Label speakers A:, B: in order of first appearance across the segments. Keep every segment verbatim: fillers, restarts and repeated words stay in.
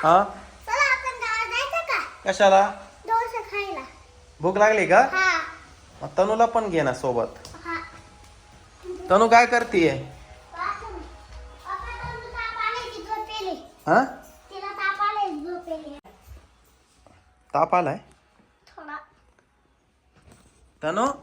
A: हा
B: चला आपण गावात जायचं का?
A: कशाला?
B: डोसा खायला.
A: भूक लागली का?
B: हा.
A: मग तनूला पण घे ना सोबत.
B: हा.
A: तनू काय करतीये?
B: वाचून. पप्पा तू ताप आले की झोपेली.
A: हा
B: तिला ताप आले झोपेली.
A: ताप आलाय
B: थोडा.
A: तनू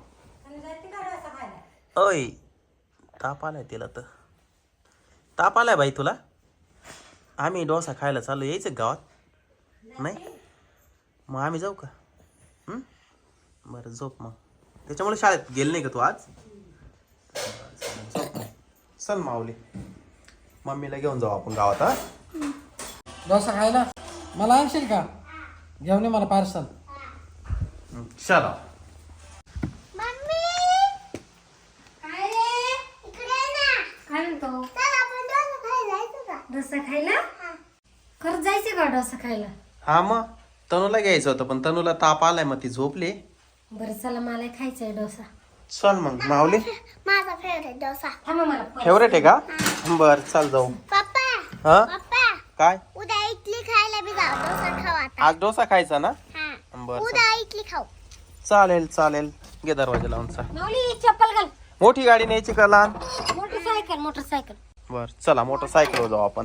A: ओय ताप आलाय तिला तर. ताप आलाय बाई तुला. आम्ही डोसा खायला चाललो, यायचं गावात? नाही मग आम्ही जाऊ का? हं? बरं झोप मग. त्याच्यामुळे शाळेत गेली नाही का तू आज? झोप मग. चल माऊली, मम्मीला घेऊन जाऊ आपण गावात. हा
C: डोसा खायला मला आणशील का? घेऊन ये मला पार्सल.
A: चला.
B: मम्मी काय रे? इकडे ये ना.
D: काय म्हणतो?
B: चल आपण डोसा खायला जायचं का?
D: डोसा खायला? खरंच जायचं का डोसा खायला?
A: हा मग तनूला घ्यायचं होतं, पण तनूला ताप आलाय, मग ती झोपली.
D: बरं चला, मला खायचंय डोसा.
A: चल मग माऊली.
B: माझा फेवरेट डोसा.
D: थांबा मला पैसे-
A: फेवरेट आहे का? बर चल जाऊ.
B: पप्पा
A: हा
B: पप्पा
A: काय?
B: उद्या इडली खायला बी जाऊ. डोसा खाऊ आता.
A: आज डोसा खायचा ना?
B: हा.
A: बर
B: उद्या इडली खाऊ.
A: चालेल चालेल. घे दरवाजा लावून चाल.
D: माऊली चप्पल घाल.
A: मोठी गाडी न्यायची का लहान?
D: Motorcycle motorcycle.
A: बर चला मोटरसायकलवर जाऊ आपण.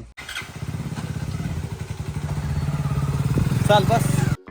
A: चाल बस.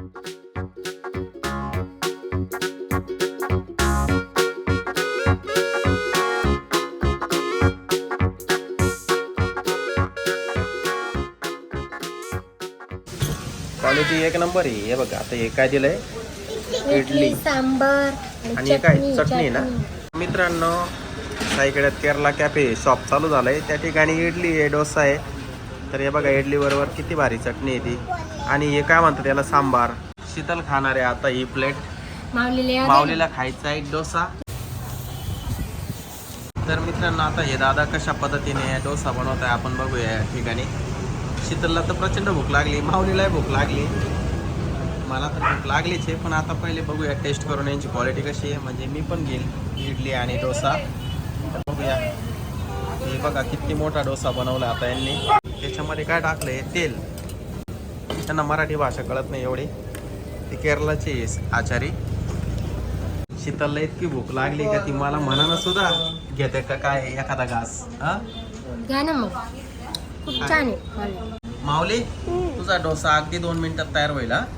A: क्वालिटी एक नंबर आहे. हे बघा आता हे काय दिलंय? इडली
D: सांबर
A: आणि हे काय चटणी ना. मित्रांनो, साईकड्यात केरला कॅफे शॉप चालू झालंय. त्या ठिकाणी इडली आहे, डोसा आहे. तर हे बघा इडली बरोबर किती भारी चटणी आहे ती. आणि हे काय म्हणतात त्याला? सांबार. शीतल खाणार आहे आता ही प्लेट.
D: माऊलीला
A: माऊलीला खायचा आहे डोसा. तर मित्रांनो, आता हे दादा कशा पद्धतीने डोसा बनवत आहे आपण बघूया या ठिकाणी. शीतलला तर प्रचंड भूक लागली, माऊलीलाही भूक लागली, मला तर भूक लागलीच आहे. पण आता पहिले बघूया टेस्ट करून यांची क्वालिटी कशी आहे. म्हणजे मी पण घेईल इडली आणि डोसा. तर बघूया. हे बघा किती मोठा डोसा बनवला आता यांनी. त्याच्यामध्ये काय टाकलं आहे? तेल. त्यांना मराठी भाषा कळत नाही एवढी. ती केरळाची आचारी. शीतलला इतकी भूक लागली का ती मला म्हणानं सुद्धा घेते का काय एखादा घास. हा
D: घ्या ना मग, खूप छान आहे.
A: माऊली, तुझा डोसा अगदी दोन मिनिटात तयार होईल. हा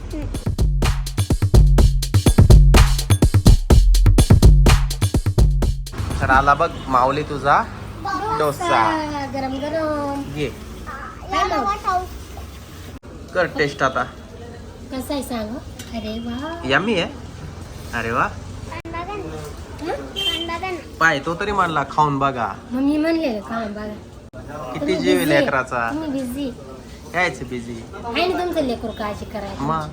A: तर आला बघ माऊली तुझा डोसा.
D: गरम गरम.
A: घे
B: या नवा खाऊ.
A: कर टेस्ट आता.
D: कसं आहे सांग. अरे वा.
A: यम्मी आहे. अरे वा.
B: पण बघा ना. पण बघा ना.
A: पाय तो तरी म्हणला खाऊन बघा.
D: मग मी म्हणले का बघा.
A: किती जीव आहे लेकराचा.
D: तुम्ही बिझी
A: यायचं बिझी
D: आहे ना तुमचं लेकरू, काळजी करायची.
A: मग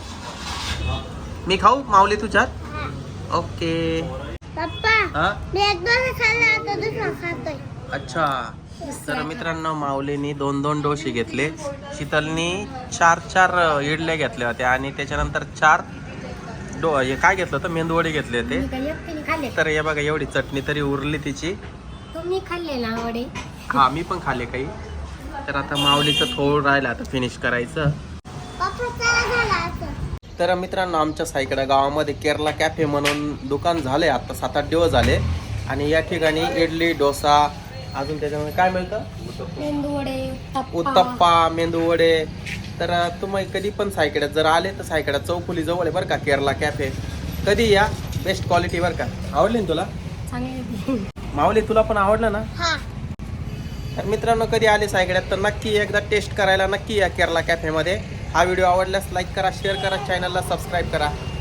A: मी खाऊ माऊली तुझ्यात? ओके.
B: पप्पा
A: हा
B: मी एक डोसा खाल्ला, आता दुसरा खातोय.
A: अच्छा. तर मित्रांनो, माऊलीनी दोन दोन डोसे घेतले. शीतलनी चार चार इडल्या घेतल्या होत्या आणि त्याच्यानंतर चार डो हे काय घेतलं होतं? मेंदूवडे घेतले होते.
D: मी काही एकटीने खाल्ले.
A: तर हे बघा एवढी चटणी तरी उरली तिची.
D: तुम्ही खाल्ले ना वडे?
A: हा मी पण खाल्ले काही. तर आता माऊलीचं थोडं राहिलं आता फिनिश करायचं.
B: पप्पा चला झाला असं.
A: तर मित्रांनो, आमच्या साईकडे गावामध्ये केरला कॅफे म्हणून दुकान झाले आता सात आठ दिवस झाले. आणि या ठिकाणी इडली, डोसा, अजून त्याच्यामध्ये काय मिळतं?
D: मेंदू वडे,
A: उत्तप्पा, मेंदू वडे. तर तुम्ही कधी पण सायकड्यात जर आले तर सायकड्यात चौफुली जवळ आहे बरं का केरला कॅफे. कधी या, बेस्ट क्वालिटी बरं का. आवडली ना तुला
D: चांगले?
A: माऊली तुला पण आवडलं ना?
B: हा.
A: तर मित्रांनो, कधी आले सायकड्यात तर नक्की एकदा टेस्ट करायला नक्की या केरला कॅफेमध्ये. हा व्हिडिओ आवडल्यास लाईक करा, शेअर करा, चॅनलला सबस्क्राईब करा.